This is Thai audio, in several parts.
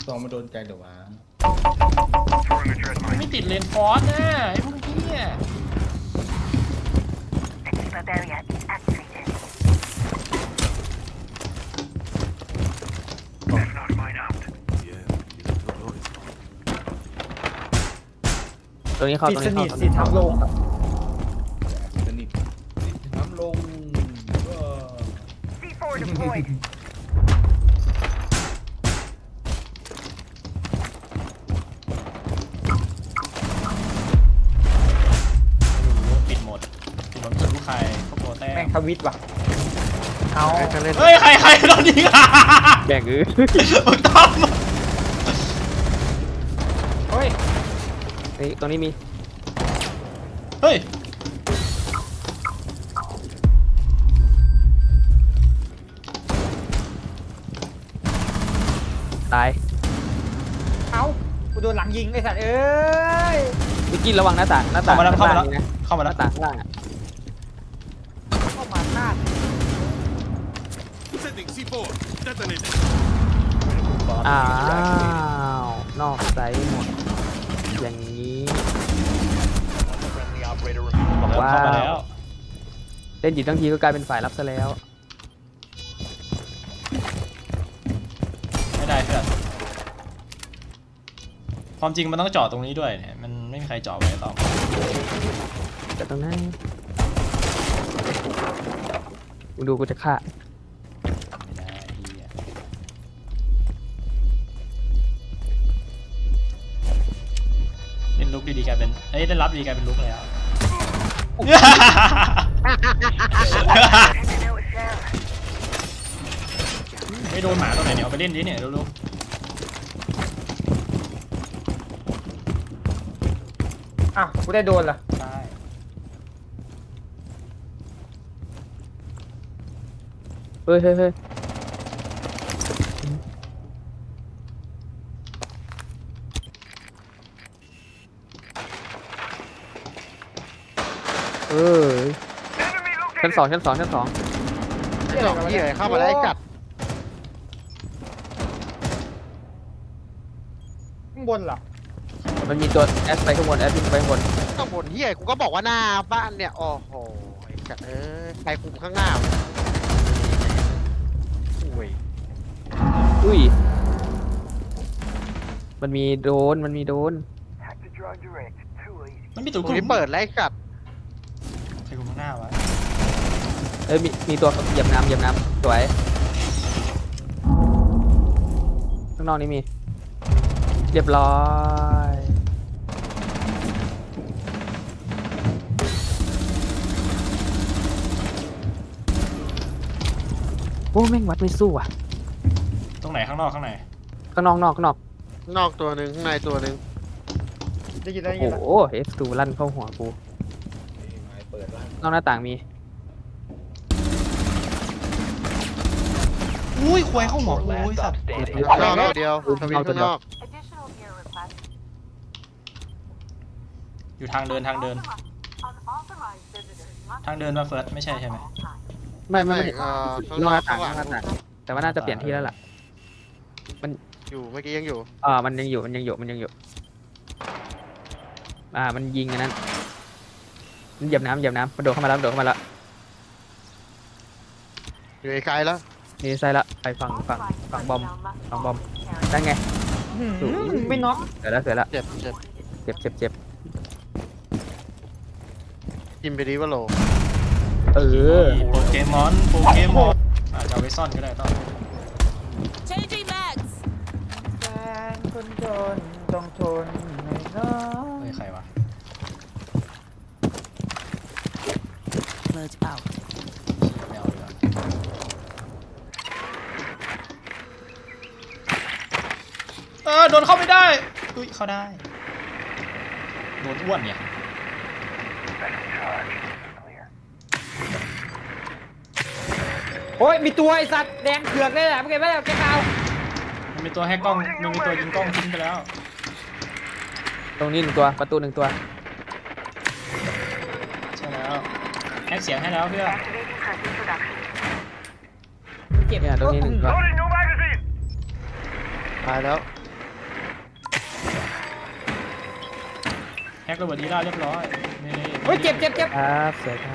ซองมาโดนใจเดี๋ยววะไม่ติดเลนฟอสนะไอ้พวกนี้อ่ะตรงนี้เข้าปิดตรงสนี้นิทเข้าสิทำลงสนิทน้ำลงก็ปิดหมดปิดหมดลูกใครพวกโปรแต้แม่มงทวิตว่ะเอาเฮ้ยใครโดนยิงอ่ะแบ่งอื้อมึงต้อมเฮ้ยนี่ตรงนี้มีเฮ้ยตายเอากูโดนหลังยิงไอ้สัตว์เอ้ยวิกกี้ระวังหน้าต่างหน้าต่างเข้ามาแล้วข้งล่งนี่นะเข้ามาหแล้วน้าต่างข้างล่างอ่ะเข้ามาหน้า Setting C4. Detonated. อ้าวนอกไซส์หมดอย่างนี้บอกว่าเข้ามาแล้วเล่นอยู่ทั้งทีก็กลายเป็นฝ่ายรับซะแล้วไม่ได้เพื่อนความจริงมันต้องจอดตรงนี้ด้วยเนี่ยมันไม่มีใครจอดไว้ต่อแต่ตรงนั้นมึงดูกูจะฆ่าไม่ได้เหี้ยเล่นลุกดีๆกลายเป็นเอ้ยเล่นรับดีกลายเป็นลุกแล้ว ไม่โดนหมาตัวไหนเนี่ยเอาไปเล่นดิเนี่ยดูอ้าวกูได้โดนเหรอๆใช่เฮ้ยเฮ้ยเฮ้ยเออชั้นสองชั้นสองชั้นสองไอ้สองเหี้ยเข้ามาแล้วไอ้กัดข้างบนเหรอมันมีตัวแอสไปข้างบนแอสขึ้นไปข้างบนข้างบนเหี้ยกูก็บอกว่าหน้าบ้านเนี่ยโอ้โหไอ้กัดใครคุมข้างหน้าวะอุ้ยอุ้ยมันมีโดนมันมีโดนมันมีตัวตรกงลุ่นี้มเปิดแล้วไอ้กัดใครกลุ่มข้างหน้าวะเอ้ยมีตัวเหยียบน้ำเหยียบน้ำสวยข้างนอกนี่มีเรียบร้อยโอ้แม่งวัดไม่สู้อ่ะตรงไหนข้างนอกข้างในข้างนอกนอกข้างนอกนอกตัวหนึ่งข้างในตัวหนึ่งได้ยินได้โอ้ยินแล้วโห F2 ลั่นเข้าหัวกูไม้เปิดล่างนอกหน้าต่างมีอุ้ยควายเข้าหัวกูอุ้ยสัตว์นอกตัวเดียวทวิตข้างนอกอยู่ทางเดินทางเดินมาเฟิร์สไม่ใช่ใช่ไหมไม่ข้างนนอกอหกน้าต่างข้างหลังนอกหน้าต่างแต่ว่าน่าจะเปลี่ยนที่แล้วล่ะอยู่เมื่อกี้ยังอยู่มันยังอยู่มันยังอยู่มันยังอยู่มันยิงอันนั้นมันเหยียบน้ำเหยียบน้ำมันโดดเข้ามาแล้วมันโดดเข้ามาแล้วอยู่ไกลๆแล้วนี่ใส่ละไปฝั่งบอมฝั่งบอมได้ไงไม่น็อกเสร็จแล้วเสร็จแล้วเจ็บเจ็บกินไปดีว่าโลเออโปเกมอนจะเอาไว้ซ่อนก็ได้ต้อง Changing mags. แฟนคนจนต้องทนไม่น้อเฮ้ยใครวะ Blood out. ไม่เอาดีกว่าโดนเข้าไม่ได้อุ้ยเข้าได้โดนอ้วนเนี่ยโอ้ยมีตัวไอ้สัตว์แดงเผือกเลยแหละไม่เก็บไว้แล้วแกเอามันมีตัวแฮกกล้องมันมีตัวยิงกล้องทิ้งไปแล้วตรงนี้หนึ่งตัวประตูหนึ่งตัวใช่แล้วแฮกเสียงให้แล้วเพื่อนเก็บเนี่ยตรงนี้หนึ่งตัวตายแล้วแฮกระเบิดอีล่าเรียบร้อยนี่เฮ้ยเจ็บครับสวยครับ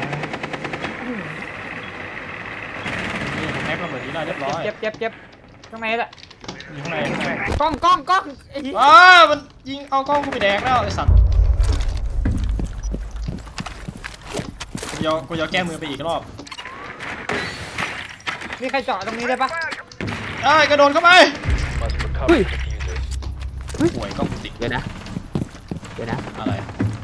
นี่ผมแฮกระเบิดอีล่าเรียบร้อยเจ็บข้างในละอยู่ข้างในข้างในกล้องไอ้เหี้ยมันยิงเอากล้องกูไปแดกแล้วไอ้สัตว์กูจะแก้มือไปอีกรอบมีใครเจาะตรงนี้ได้ปะได้กระโดดเข้าไปเฮ้ยห่วยกล้องกูติดเดี๋ยวนะอะไร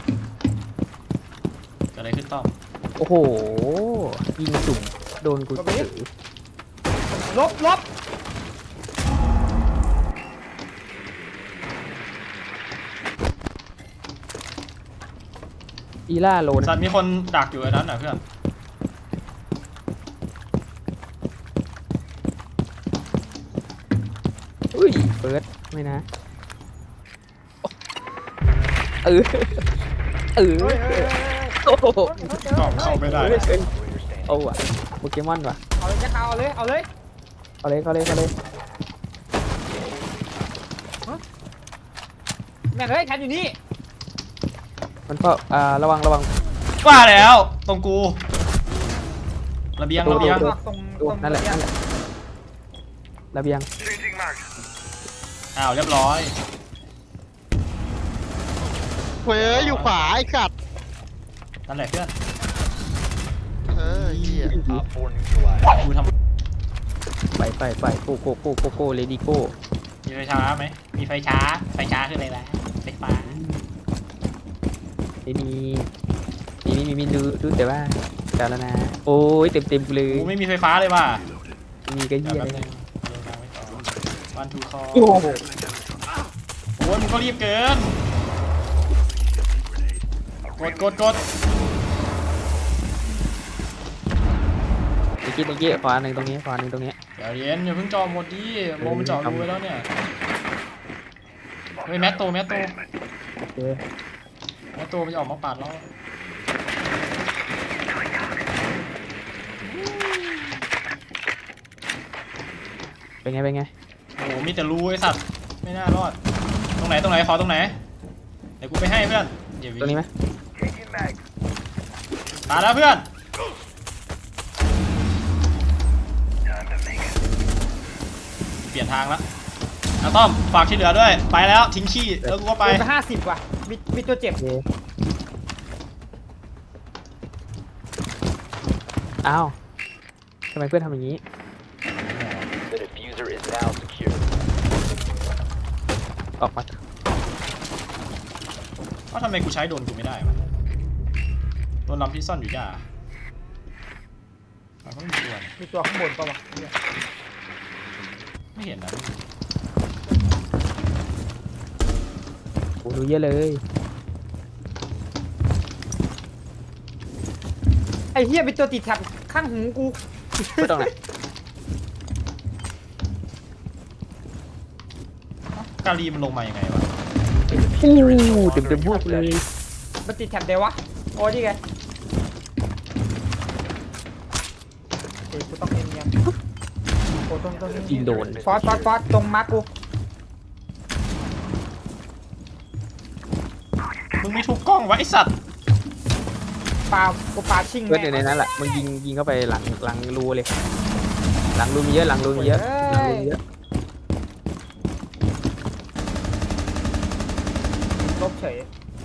เกิดอะไรขึ้นต้อมโอ้โห ยิงสุ่มโดนกูถือลบอีล่าโลนะสัตว์มีคนดักอยู่ไอ้นั้นน่ะเพื่อนอุ้ยเปิดไม่นะเออโอ้โหกล้องเข้าไม่ได้โอ้ว่ะโปเกมอนว่ะเอาเลยจะเอาเลยเอาเลยแม่งเฮ้ยแทนอยู่นี่มันก็ระวังว่าแล้วตรงกูระเบียงตรงระเบียงตรงดูนั่นแหละระเบียงอ้าวเรียบร้อยเว้ยอยู่ขวาไอ้สัตว์นั่นแหละเพื่อนเหี้ยกูทไปโกเลดี้โกำมีไฟช้าไหมมีไฟช้าคืออะไรล่ะไฟฟ้ามีดูแต่ว่าแต่แล้วนะโอ้ยเต็มกูเลยกูไม่มีไฟฟ้าเลยว่ะมีก็เหี้ยแป๊บเลนึยงเอาไว้ต่อวันทูคอโอ้โหโอ้ยมึงก็รีบเกินกดเมื่อกี้ขวาหนึ่งตรงนี้เดี๋ยวเย็นอย่าเพิ่งจอหมดดิโมมันเจาะรูไว้แล้วเนี่ยเฮ้ยแมตโตโอเคมันจะออกมาปาดเราเป็นไงโอ้โหมีแต่รูไอ้สัตว์ไม่น่ารอดตรงไหนขอตรงไหนเดี๋ยวกูไปให้เพื่อนเดี๋ยวตรงนี้ไหมตายแล้วเพื่อนเปลี่ยนทางแล้วนะต้อมฝากที่เหลือด้วยไปแล้วทิ้งขี้แล้วกูก็ไปไป50ว่ะมีตัวเจ็บโอเคอ้าวทำไมเพื่อนทำอย่างนี้ออกมาว่าทำไมกูใช้โดนกูไม่ได้วะโดนลำที่ซ่อนอยู่ย่ามันก็ไม่มีตัวนี่มีตัวข้างบนปะวะไม่เห็นนะโอ้ดูเยอะเลยไอ้เหี้ยมีตัวติดแท็บข้างหูกูไม่ต้องไหนกาลีมันลงมายังไงวะอู้เต็มพวกเลยมันติดแท็บเดวะโอ้นี่ไงเฮ้ยกูต้องเนียนๆโอ้ต้องยิงโดนฟอสตรงมาร์กกูมึงมีทุกกล้องวะไอสัตว์กูปาชิงเพื่อนอยู่ในนั้นแหละมึงยิงเข้าไปหลังรูเลย หลังรูมีเยอะหลังรูมีเยอะลบเฉย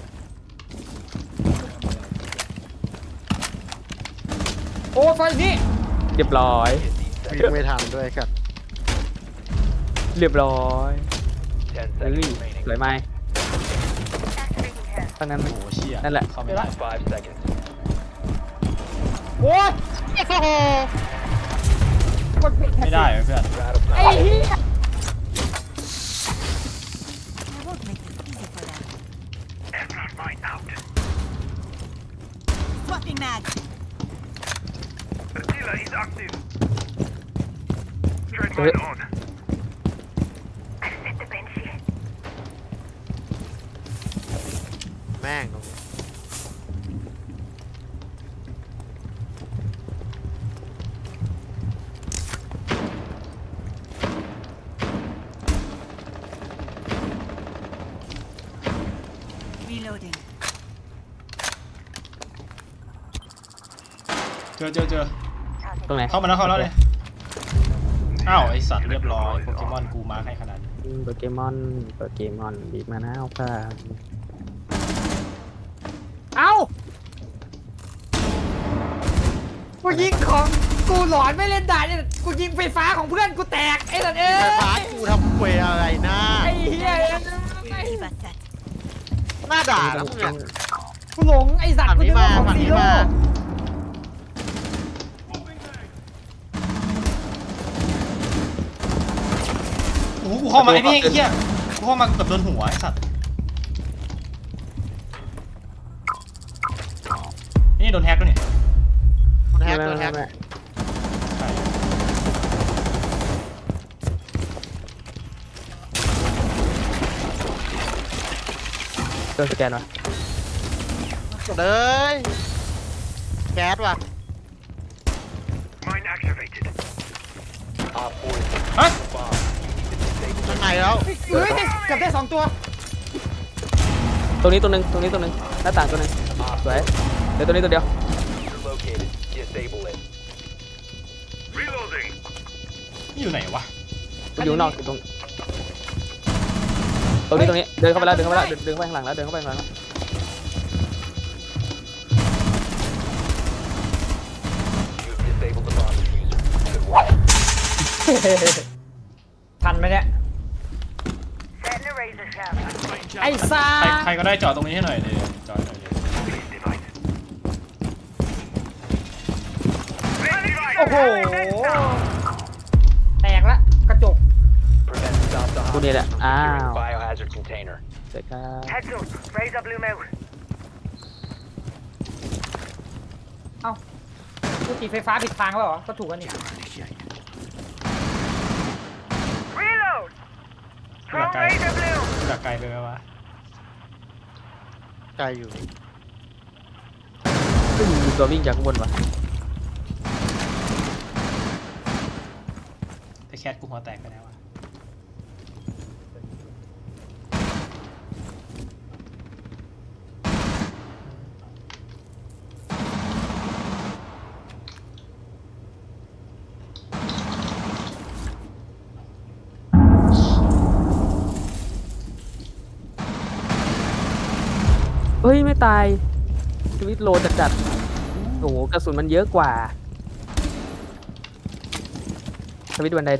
โอ้ไฟนี่เรียบร้อยวิ่งไม่ทันด้วยครับเรียบร้อยเฮ้ยสวยไหมตั้งนั้นโอ้โหเชี่ยนั่นแหละเข้าไม่ได้โอ้ยโอ้โหกดปิดแท็บไม่ได้เว้ยเพื่อนไอ้เหี้ย I won't make it easy for them. Swapping mag. แม่ง Reloading. เจอตรงไหนเข้ามาแล้วเลยอ้าวไอสัตว์เรียบร้อยโปเกมอนกูมาให้ขนาดนี้โปเกมอนบีบมานะเอาค่ะเอ้ากูยิงของกูหลอนไม่เล่นได้เนี่ยกูยิงไฟฟ้าของเพื่อนกูแตกไอ้สัตว์เอ้ไฟยฟ้ากูทำเวอะไรนะไอ้เหี้ย Really bad that. หน้าด่าแล้วมึงเนี่ยกูหลงไอ้สัตว์ฝั่งกูนี้นึกว่าของมาฝั่งซีนี้โร่มาโอ้โหกูเข้ามาไอ้นี่ไอ้เหี้ยกูเข้ามาเกือบโดนหัวไอ้สัตว์นี่โดนแฮกด้วยนี่โดนแฮไม่กโดนแฮกใช่โดนสแกนวะเลยแก๊สว่ะ Mine activated. ฮะข้างในแล้วเฮ้ยเกือบได้2 ตัวตรงนี้ตัวหนึ่งหน้าต่างตัวหนึ่งสวยเดี๋ยวตัวนี้ตัวเดียว Reloading. นี่อยู่ไหนวะกูอยู่นอกอยู่ตรงนี้เดินเข้าไปแล้วเดินเข้าไปข้างหลังแล้วเดินเข้าไปข้างหลังแล้วทันไหมเนี่ย Setting a razor shaft. ไอ้ซ่าใครก็ได้จอดตรงนี้ให้หน่อยเลยจอดหน่อยเลยโอ้โหแตกละกระจกกูนี่แหละอ้าวเสร็จครับ Heads up. Razor blew him out. เอ้ากูตีไฟฟ้าผิดทางแล้วเหรอ ก็ถูกกันนี่ Reload. Throw Okay. razor blue. กูดักไกลไปไหมวะไกลอยู่มีตัววิ่งจากข้างบนวะแต่แคทกูหัวแตกไปแล้วอะเฮ้ยไม่ตายชีวิตโลจัดๆโอ้โหกระสุนมันเยอะกว่าทวิตบันได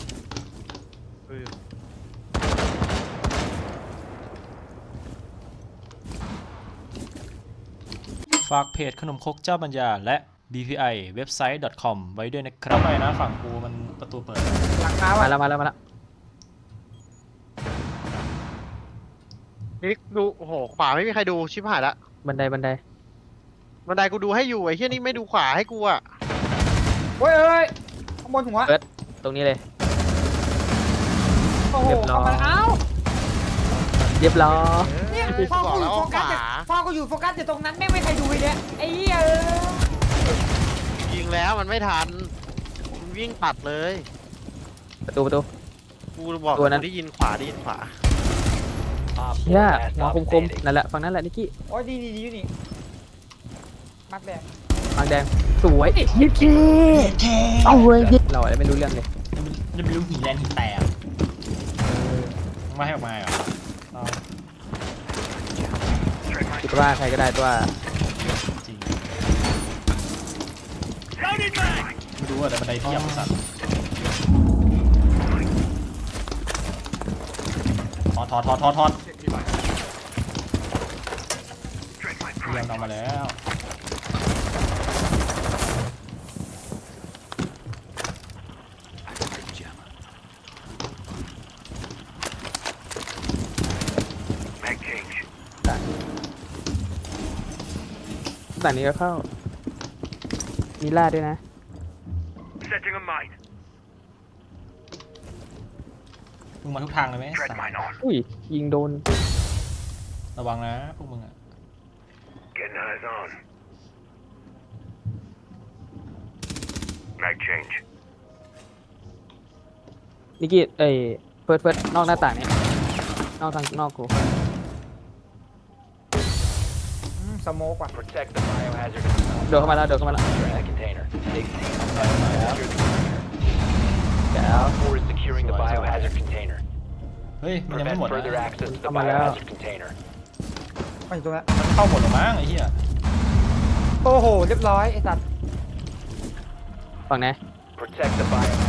ฝากเพจขนมครกเจ้าปัญญาและ bpi website.com ไว้ด้วยนะครับไปนะฝั่งกูมันประตูเปิดหลังคามาว่ะแล้วนี่ดูโอ้โหขวาไม่มีใครดูชิบหายละบันไดบันไดกูดูให้อยู่ไอ้เหี้ยนี่ไม่ดูขวาให้กูอ่ะเฮ้ยเฮ้ยข้างบนหัวตรงนี้เลยโอ้โหเรียบร้อยเข้ามาแล้วเรียบร้อยเนี่ยกูพอบอกกูอแล้วยู่โฟว่าขกัสวาพอกูอยู่โฟกัสอยู่ตรงนั้นแม่งไม่ใครดูเลยเนี่ยไอ้เหี้ยยิงแล้วมันไม่ทันมันวิ่งปัดเลยประตูกูบอกตัวนั้นกูได้ยินขวาเชี่ยหัวคมๆนั่นแหละฝั่งนั้นแหละนิกกี้โอ้ยดีอยู่นี่มักแดงบางแดงสวยนิกกี้เอาเว้ยเราอะไรไม่รู้เรื่องเลยจะไม่รู้หีแลนหีแตกไม่ให้ออกมาเหรอเอาคิดว่าใครก็ได้ตัวจริงไม่รู้ว่าแต่บันไดเทียบสัตว์ถอดเรียงออกมาแล้วด่านนี้ก็เข้ามีล่าด้วยนะ Setting a mine. มึงมาทุกทางเลยไหม Tread สัตว์ mine on. อุ้ยยิงโดนระวังนะพวกมึงอะ Getting eyes on. Mag change. นิกกี้เฟิร์สนอกหน้าต่างนี้นอกทางนอกกูสโมกว่ะ Protect the biohazard เดินเข้ามาแล้วเดินเข้ามาแล้ว container. Take C on secure the container. เดี๋ยว 4 is securing the biohazard container. เฮ้ยมันยังไม่ Prevent หมดนะ further access to the Come on now. biohazard container. ไปตรงนั้นมันเข้าหมดหรอมั้งไอ้เหี้ยโอ้โหเรียบร้อยไอ้สัตว์ฝั่งไหน Protect the biohazard.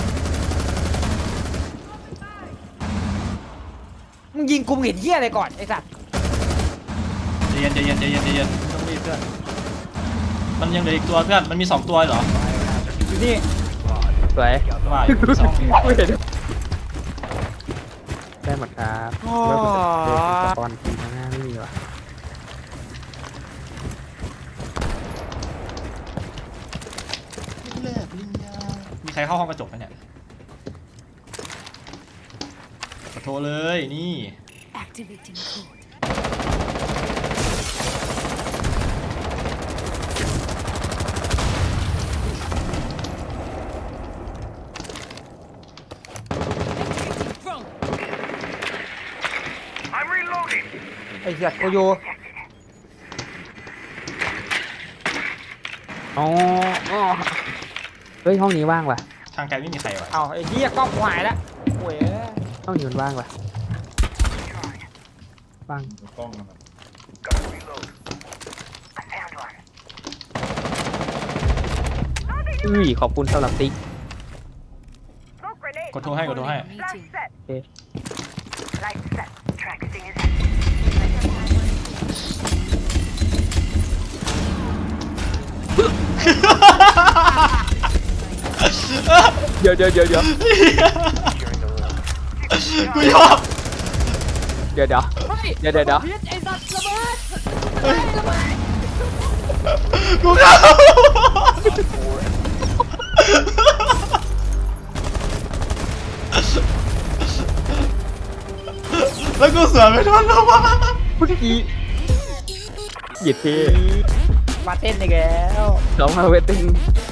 มึงยิงกูเห็นเหี้ยอะไรก่อนไอ้สัตว์ใจเย็นใจเย็นใจเย็นใจเย็นไม่ต้องรีบเพื่อนมันยังเหลืออีกตัวเพื่อนมันมี2ตัวเหรออยู่นี่สวยว่าอยู่มีสองไม่เห็นได้หมดครับเลิกเดินสปอนทีข้างหน้าไม่มีว่ะมีใครเข้าห้องกระจกไหมเนี่ยขอโทรเลยนี่ Activating code. I'm reloading. ไอ้สัตว์กูอยู่อ๋ออ๋อเฮ้ยห้องนี้ว่างว่ะทางไกลไม่มีใครวะเอาไอ้เหี้ยกล้องกูหายแล้วโว้ยห้องนี้มันว่างว่ะว่างกล้องนะครับ Gotta reload. I found one. อุ้ยขอบคุณสำหรับติ๊ก Smoke grenade. กดโทรให้กดโทรให้ Flash set. Okay. Light set. Track sting is active. เดี๋ยว Securing the room. กูยอมเดี๋ยวไอ้สัตว์ระเบิดกูเข้า แล้วกูเสือไม่ทันแล้ววะเมื่อกี้เหยียดเท่มาเต้นอีกแล้วน้องมาเวทติ้ง